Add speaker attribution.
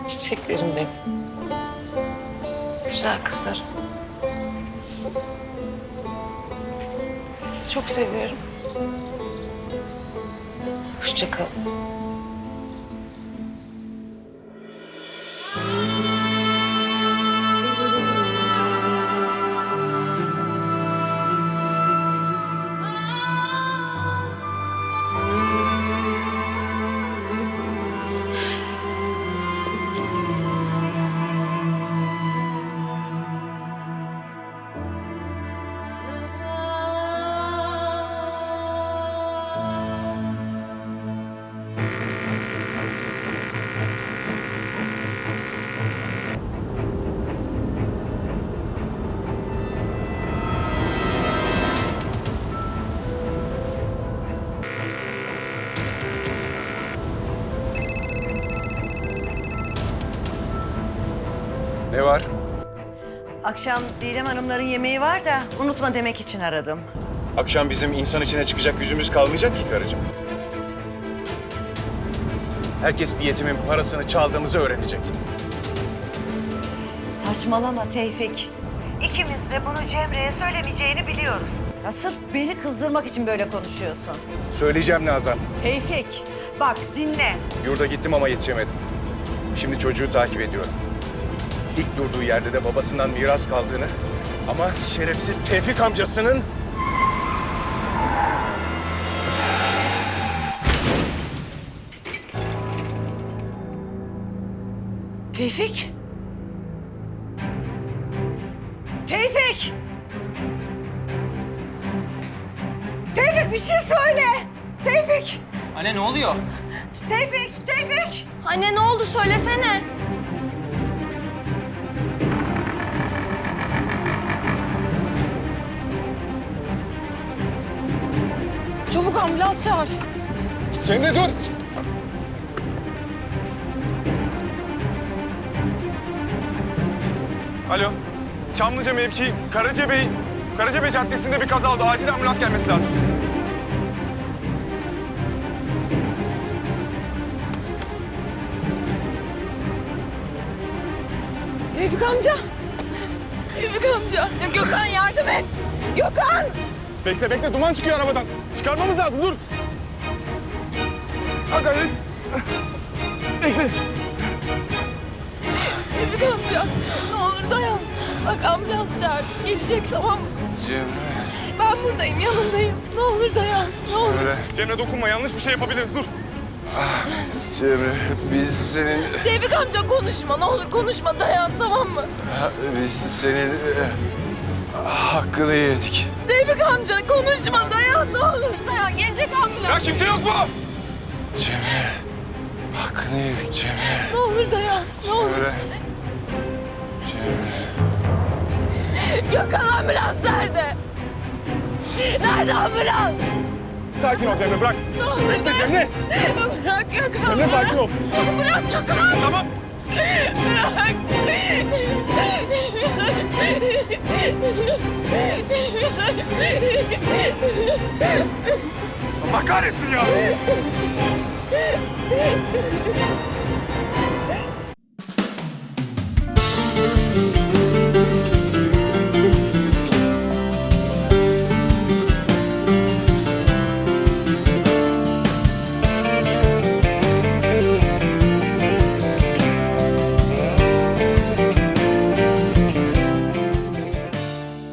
Speaker 1: Çiçeklerim benim. Güzel kızlar. Sizi çok seviyorum. Hoşça kalın.
Speaker 2: Ne var?
Speaker 3: Akşam Didem Hanımların yemeği var da unutma demek için aradım.
Speaker 2: Akşam bizim insan içine çıkacak yüzümüz kalmayacak ki karıcığım. Herkes bir yetimin parasını çaldığımızı öğrenecek.
Speaker 3: Saçmalama Tevfik. İkimiz de bunu Cemre'ye söylemeyeceğini biliyoruz. Ya sırf beni kızdırmak için böyle konuşuyorsun.
Speaker 2: Söyleyeceğim Nazan.
Speaker 3: Tevfik, bak dinle.
Speaker 2: Yurda gittim ama yetişemedim. Şimdi çocuğu takip ediyorum. İlk durduğu yerde de babasından miras kaldığını ama şerefsiz Tevfik amcasının...
Speaker 3: Tevfik! Tevfik! Tevfik bir şey söyle! Tevfik!
Speaker 4: Anne ne oluyor?
Speaker 3: Tevfik! Tevfik!
Speaker 5: Anne ne oldu söylesene. Çabuk ambulans çağır.
Speaker 2: Cemre dur!
Speaker 6: Alo. Çamlıca mevki Karacabey Caddesi'nde bir kaza oldu. Acil ambulans gelmesi lazım.
Speaker 5: Tevfik amca. Tevfik amca. Ya Gökhan yardım et. Gökhan.
Speaker 6: Bekle duman çıkıyor arabadan. Çıkarmamız lazım dur. Hadi hadi. Bekle.
Speaker 5: Tevfik amca. Ne olur dayan. Bak ambulans çağır. Gelecek tamam mı?
Speaker 2: Cemre...
Speaker 5: Ben buradayım yanındayım. Ne olur dayan. Ne olur.
Speaker 6: Cemre dokunma yanlış bir şey yapabiliriz dur.
Speaker 2: Cemre, biz senin...
Speaker 5: Tevfik amca konuşma. Ne olur konuşma dayan tamam mı?
Speaker 2: Biz senin... hakkını yedik.
Speaker 5: Tevfik amca konuşma dayan ne olur dayan. Gelecek ambulans.
Speaker 6: Ya kimse yok mu?
Speaker 2: Cemre, hakkını yedik Cemre.
Speaker 5: Ne olur dayan. Ne olur.
Speaker 2: Cemre. Cemre.
Speaker 5: Gökhan ambulans nerede? Nerede ambulans?
Speaker 6: Sakin ol Cemre bırak.
Speaker 5: Ne olur dayan.
Speaker 6: Cemre.
Speaker 5: Bırak Gökhan.
Speaker 6: Cemre sakin ol.
Speaker 5: Bırak Gökhan.
Speaker 6: Tamam.
Speaker 5: Bırak.
Speaker 6: Allah kahretsin ya.